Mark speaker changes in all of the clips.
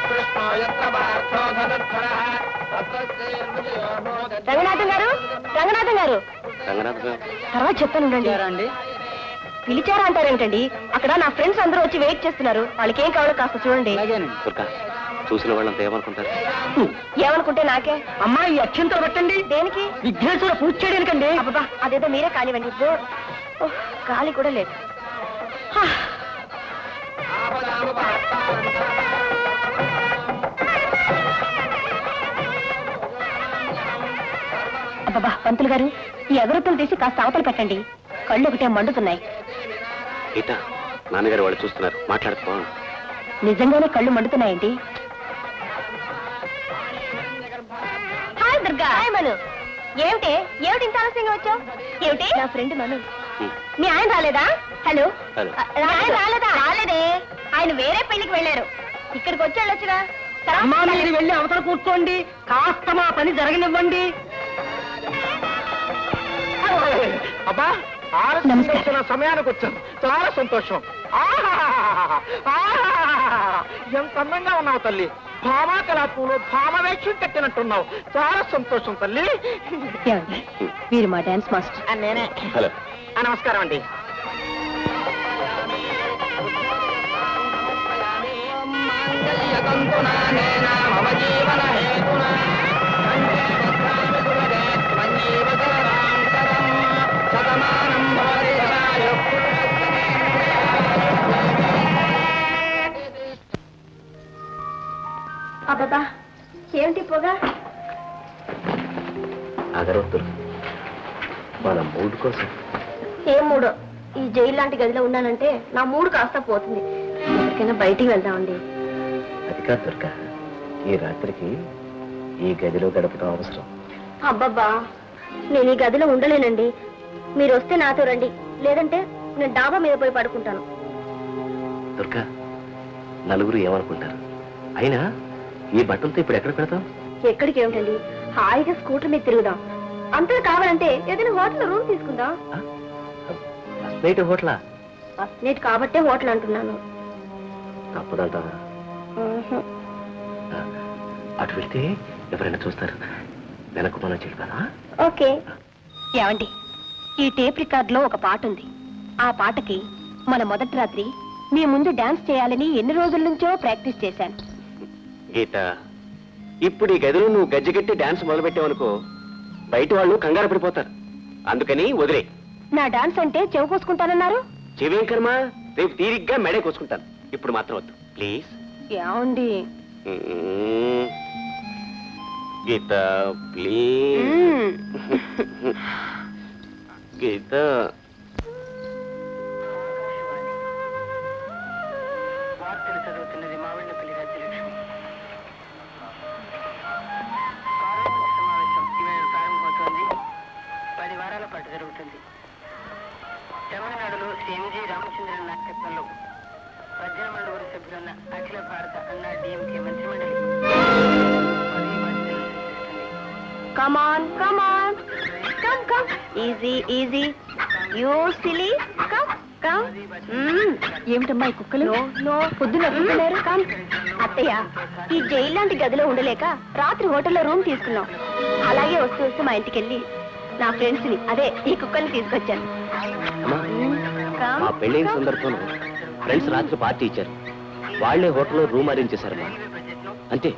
Speaker 1: రంగనాథం గారు, రంగనాథం గారు, తర్వాత చెప్తాను. పిలిచారా అంటారేంటండి? అక్కడ నా ఫ్రెండ్స్ అందరూ వచ్చి వెయిట్ చేస్తున్నారు. వాళ్ళకి ఏం కావాలో కాస్త చూడండి.
Speaker 2: చూసిన వాళ్ళంతా ఏమనుకుంటారు?
Speaker 1: ఏమనుకుంటే నాకే.
Speaker 3: అమ్మా, ఈ అక్షంతలు పెట్టండి.
Speaker 1: దేనికి?
Speaker 3: విఘ్నేశ్వర పూజ చేయడానికండి.
Speaker 1: అబ్బా, అదేదో మీరే కానివ్వండి. ఇప్పుడు గాలి కూడా లేదు. అబ్బా, పంతులు గారు, ఈ అగరత్తులు తీసి కాస్త అవతలు పెట్టండి. కళ్ళు ఒకటే మండుతున్నాయి.
Speaker 2: నాన్నగారు వాళ్ళు చూస్తున్నారు, మాట్లాడుకో.
Speaker 1: నిజంగానే కళ్ళు మండుతున్నాయండి. హాయ్ దుర్గా. హాయ్ మను. ఏమిటి ఇంత ఆలస్యంగా వచ్చావు? ఏమిటి? నా ఫ్రెండ్ మను. మీ ఆయన రాలేదా? హలో, ఆయన రాలేదా? రాలేదే, ఆయన వేరే పెళ్లికి వెళ్ళారు. ఇక్కడికి వచ్చి వెళ్ళొచ్చుగా.
Speaker 3: అమ్మా, మీరు వెళ్ళి అవతల కూర్చోండి. కాస్త మా పని జరగనివ్వండి. అబ్బా, ఆలస్యం సమయానికి వచ్చాను. చాలా సంతోషం. ఎంత అందంగా ఉన్నావు తల్లి. భామా కళాపూలు భామవేక్షం కట్టినట్టున్నావు. చాలా సంతోషం తల్లి.
Speaker 1: మీరు మా డాన్స్ మాస్టర్.
Speaker 3: నేనే.
Speaker 2: హలో,
Speaker 3: నమస్కారం అండి.
Speaker 1: అబ్బా, ఏమిటి పొగ?
Speaker 2: అగరొత్తులు మన మూడు కోసం.
Speaker 1: ఏం మూడో? ఈ జైలు లాంటి గదిలో ఉన్నానంటే నా మూడు కాస్త పోతుంది. ఎక్కడికైనా బయటికి వెళ్దామండి.
Speaker 2: అది కాదు దుర్గా, ఈ రాత్రికి ఈ గదిలో గడపడం అవసరం.
Speaker 1: అబ్బబ్బా, నేను ఈ గదిలో ఉండలేనండి. మీరు వస్తే నాతో రండి, లేదంటే నేను డాబా మీద పోయి పడుకుంటాను.
Speaker 2: దుర్గా, నలుగురు ఏమనుకుంటారు? అయినా ఈ బట్టలతో ఇప్పుడు ఎక్కడ పెడతాం?
Speaker 1: ఎక్కడికి ఏమిటండి, హాయిగా స్కూటర్ మీద తిరుగుదాం. అంతా కావాలంటే ఏదైనా హోటల్ రూమ్ తీసుకుందాం.
Speaker 2: ఫస్ట్ నైట్ హోటలా?
Speaker 1: ఫస్ట్ నైట్ కాబట్టే హోటల్ అంటున్నాను.
Speaker 2: తప్పదంటావా? అటు వెళ్తే ఎవరైనా చూస్తారు. వెనక్కు మనం చెప్పారా?
Speaker 1: ఓకే. ఏమండి, ఈ టేప్ రికార్డ్ లో ఒక పాట ఉంది. ఆ పాటకి మన మొదటి రాత్రి మీ ముందు డాన్స్ చేయాలని ఎన్ని రోజుల నుంచో ప్రాక్టీస్ చేశాను.
Speaker 2: గీత, ఇప్పుడు ఈ గదిలో నువ్వు గజ్జగట్టి డాన్స్ మొదలుపెట్టావనుకో, బయట వాళ్ళు కంగారు పడిపోతారు. అందుకని వదిలే.
Speaker 1: నా డాన్స్ అంటే చెవు కోసుకుంటానన్నారు.
Speaker 2: చెవేం కర్మ, రేపు తీరిగ్గా మెడే కోసుకుంటాను. ఇప్పుడు మాత్రం వద్దు ప్లీజ్.
Speaker 1: ఏమండి?
Speaker 2: గీత ప్లీజ్. గీత,
Speaker 3: చదువుతున్నది మావిళ్ళపల్లి రాజ్యలక్ష్మి. సమావేశం ఈవేళ ప్రారంభమవుతోంది. 10 వారాల పాటు జరుగుతుంది. తమిళనాడులో శ్రీ ఎంజి రామచంద్రన్ నాయకత్వంలో 18 మంది సభ్యులున్న అఖిల భారత అన్నా డిఎంకే మంత్రిమండలి
Speaker 1: Come on, come on. Come, come. Easy, easy. You silly. Come, come. ఏమిటమ్మా ఈ కుక్కలు? నో, పొద్దున కుక్కలేరు. కమ్. అత్తయ్య, ఈ జైలు లాంటి గదిలో ఉండలేక రాత్రి హోటల్లో రూమ్ తీసుకున్నాం. అలాగే వస్తూ మా ఇంటికి వెళ్ళి నా ఫ్రెండ్స్ ని, అదే ఈ కుక్కల్ని తీసుకొచ్చాను.
Speaker 2: మా పెళ్ళైన సందర్భంలో ఫ్రెండ్స్ రాత్రి పార్టీ ఇచ్చారు. వాళ్లే హోటల్లో రూమ్ అరేంజ్ చేశారమ్మా. అంతే.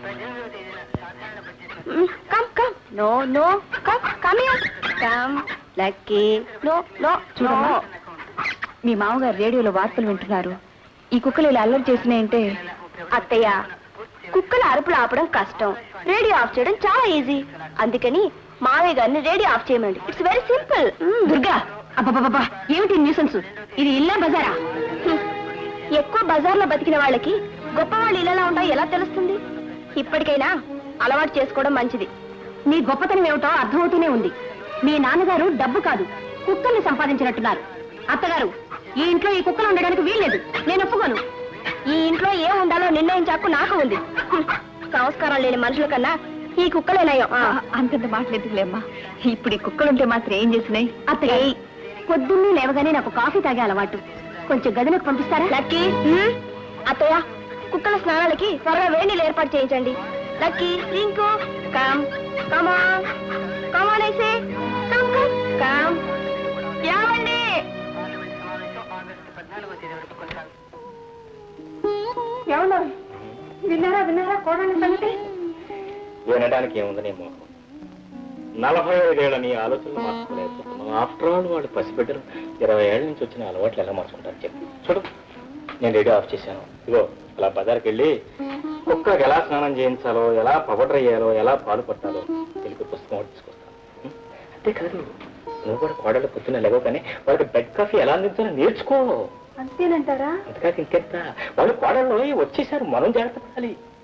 Speaker 1: Come come. No no, come come here. Come Lucky. No no. చూడమ్మా, మీ మామగారు రేడియోలో వార్తలు వింటున్నారు. ఈ కుక్కలు ఇలా అల్లరి చేసినాయంటే. అత్తయ్య, కుక్కల అరుపులు ఆపడం కష్టం, రేడియో ఆఫ్ చేయడం చాలా ఈజీ. అందుకని మావయ్య గారిని రేడియో ఆఫ్ చేయమండి. It's very simple. దుర్గా, అబ్బా, ఏమిటి న్యూసెన్స్? ఇది ఇల్లా బజారా? ఎక్కువ బజార్లో బతికిన వాళ్ళకి గొప్ప వాళ్ళు ఇళ్ళలా ఉంటాయో ఎలా తెలుస్తుంది? ఇప్పటికైనా అలవాటు చేసుకోవడం మంచిది. నీ గొప్పతనం ఏమిటో అర్థమవుతూనే ఉంది. మీ నాన్నగారు డబ్బు కాదు, కుక్కల్ని సంపాదించినట్టున్నారు. అత్తగారు, ఈ ఇంట్లో ఈ కుక్కలు ఉండడానికి వీల్లేదు. నేను ఒప్పుకోను. ఈ ఇంట్లో ఏం ఉండాలో నిర్ణయించాకు నాకు ఉంది. సంస్కారం లేని మనుషుల కన్నా ఈ కుక్కలేనాయో. అంతంత మాట్లాడుతులేమ్మా. ఇప్పుడు ఈ కుక్కలుంటే మాత్రం ఏం చేసినాయి? అత్తయ్య, పొద్దున్నే లేవగానే నాకు కాఫీ తాగే అలవాటు. కొంచెం గదిలోకి పంపిస్తారా? లక్కీ. అత్తయ్య, కుక్కల స్నానాలకి త్వరగా వేడి నీళ్ళు ఏర్పాటు చేయించండి. Lucky, Rinku, come come on come on ఐసే కమ్ కమ్ కమ్. ఏమండి? ఏమన్నా విన్నారా కోడని సంగతి?
Speaker 4: వినడానికి ఏముంది నీ మోహం? 45 ఏళ్ల నీ ఆలోచనలు మార్చుకోలేకపోతున్నావు. ఆఫ్టర్ ఆల్ వాళ్ళు పసిబిడ్డలు 20 ఏళ్ల నుంచి వచ్చిన అలవాట్లు ఎలా మార్చుకుంటారు చెప్పు. చూడు, నేను రేడియో ఆఫ్ చేశాను. ఇగో అలా బజార్కి వెళ్ళి కుక్కకి ఎలా స్నానం చేయించాలో, ఎలా పౌడర్ అయ్యాలో, ఎలా పాలు పట్టాలో తెలిపి పుస్తకం ఒకటి తీసుకొస్తాను. అంతేకాదు, నువ్వు కూడా కోడలు పొద్దున్న లేవో కానీ వాళ్ళకి బెడ్ కాఫీ ఎలా అందించాలో నేర్చుకో.
Speaker 1: అంతేనంటారా?
Speaker 4: అంతేకాదు ఇంకెంత, వాళ్ళు కోడల్లో వచ్చేసారు, మనం జాగ్రత్త పడాలి.